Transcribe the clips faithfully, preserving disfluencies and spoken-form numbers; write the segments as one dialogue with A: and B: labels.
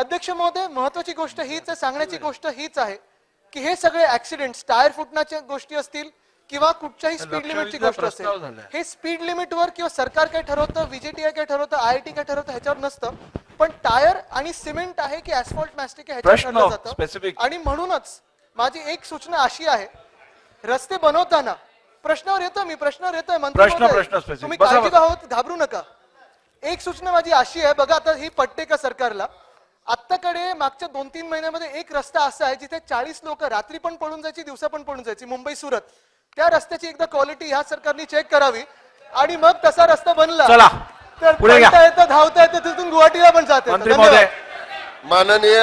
A: अध्यक्ष महोदय, महत्वाची गोष्ट हीच आहे, सांगण्याची गोष्ट हीच आहे की हे सगळे ऍक्सिडेंट्स, टायर फुटण्याच्या गोष्टी असतील किंवा कुठच्याही स्पीड लिमिटची गोष्ट असेल, हे स्पीड लिमिटवर किंवा सरकार काय ठरवतं, व्हीजीटीआय काय ठरवतं, आयआयटी काय ठरवतं ह्याच्यावर नसतं, पण टायर आणि सिमेंट आहे की ऍस्फॉल्ट मॅस्टिक आहे ह्याच्यावर ठरलं जातं. आणि म्हणूनच माझी एक सूचना अशी आहे, रस्ते बनवताना प्रश्नावर येतो मी प्रश्नावर येतोय मंत्री महोदय, तुम्ही काळजी आहोत, घाबरू नका. एक सूचना माझी अशी आहे, बघा आता ही पट्टे का सरकारला, आत्ताकडे मागच्या दोन तीन महिन्यामध्ये एक रस्ता असा आहे जिथे चाळीस लोक रात्री पण पळून जायची, दिवसा पण पळून जायची, मुंबई सुरत. त्या रस्त्याची एकदा क्वालिटी ह्या सरकारने चेक करावी आणि मग तसा रस्ता बनला तर पळता येतं, धावता येतं, तिथून गुवाहाटीला पण जाते.
B: माननीय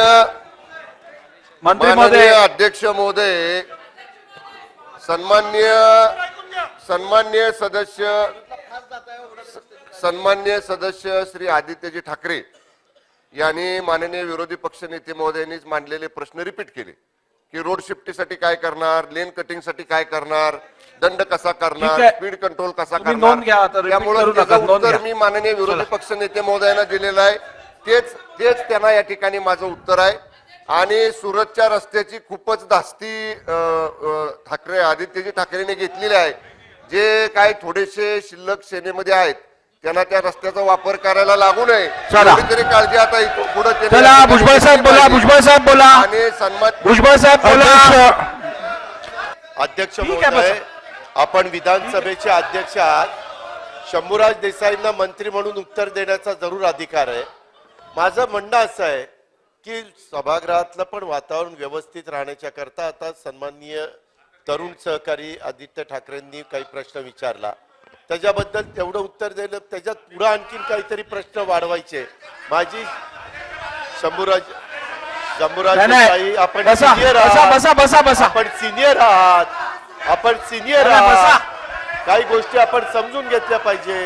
B: माननीय अध्यक्ष महोदय, सन्माननीय सन्माननीय सदस्य सन्माननीय सदस्य श्री आदित्यजी ठाकरे यांनी माननीय विरोधी पक्षनेते महोदयांनीच मांडलेले प्रश्न रिपीट केले की रोड शिफ्टीसाठी काय करणार, लेन कटिंगसाठी काय करणार, दंड कसा करणार, स्पीड कंट्रोल कसा करणार. त्यामुळे त्याचं उत्तर मी माननीय विरोधी पक्षनेते महोदयांना दिलेलं आहे. तेच तेच त्यांना या ठिकाणी माझं उत्तर आहे. आणि सुरतच्या रस्त्याची खूपच धास्ती ठाकरे आदित्यजी ठाकरेंनी घेतलेली आहे. जे काय थोडेसे शिल्लक सेनेमध्ये आहेत त्यांना त्या रस्त्याचा वापर करायला लागू नये, तरी काळजी आता पुढे
C: भुजबळ साहेब बोला, भुजबळ साहेब बोला
B: आणि सन्मान
C: भुजबळ साहेब बोला.
D: अध्यक्ष महोदय, आपण विधानसभेचे अध्यक्ष आहात, शंभूराज देसाईंना मंत्री म्हणून उत्तर देण्याचा जरूर अधिकार आहे. माझं म्हणणं असं आहे की सभागृहातलं पण वातावरण व्यवस्थित राहण्याच्या करता आता सन्माननीय तरुण सहकारी आदित्य ठाकरेंनी काही प्रश्न विचारला, त्याच्याबद्दल तेवढं उत्तर दिलं, त्याच्यात पुढे आणखीन काहीतरी प्रश्न वाढवायचे. माझी शंभूराज शंभूराज देसाई, आपण सिनियर आहात, आपण सिनियर आहात, आपण सिनियर आहात, काही गोष्टी आपण समजून घेतल्या पाहिजे.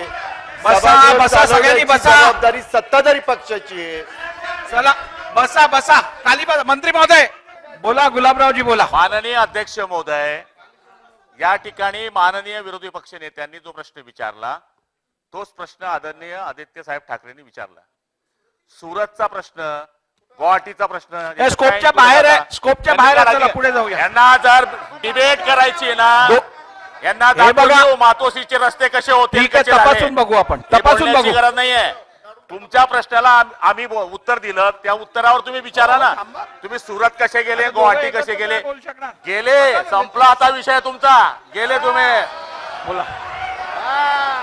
D: जबाबदारी सत्ताधारी पक्षाची आहे.
C: चला बसा बसा खाली बसा. मंत्री महोदय बोला, गुलाबरावजी बोला.
E: माननीय अध्यक्ष महोदय, या ठिकाणी माननीय विरोधी पक्ष नेत्यांनी जो प्रश्न विचारला तोच प्रश्न आदरणीय आदित्य साहेब ठाकरेंनी विचारला. सुरतचा प्रश्न, गुवाहाटीचा प्रश्न
C: स्कोपच्या बाहेर आहे, स्कोपच्या बाहेर आहे. चला पुढे जाऊया.
E: यांना जर डिबेट करायची ना, यांना दाखवू मातोश्रीचे रस्ते कसे होते,
C: तपासून बघू आपण, तपासून बघू,
E: गरज नाहीये. तुमच्या प्रश्नाला आम्ही उत्तर दिलं, त्या उत्तरावर तुम्ही विचारा ना. तुम्ही सुरत कसे गेले, गुवाहाटी कसे गेले, गेले संपला आता विषय तुमचा, गेले तुम्ही.
C: बोला.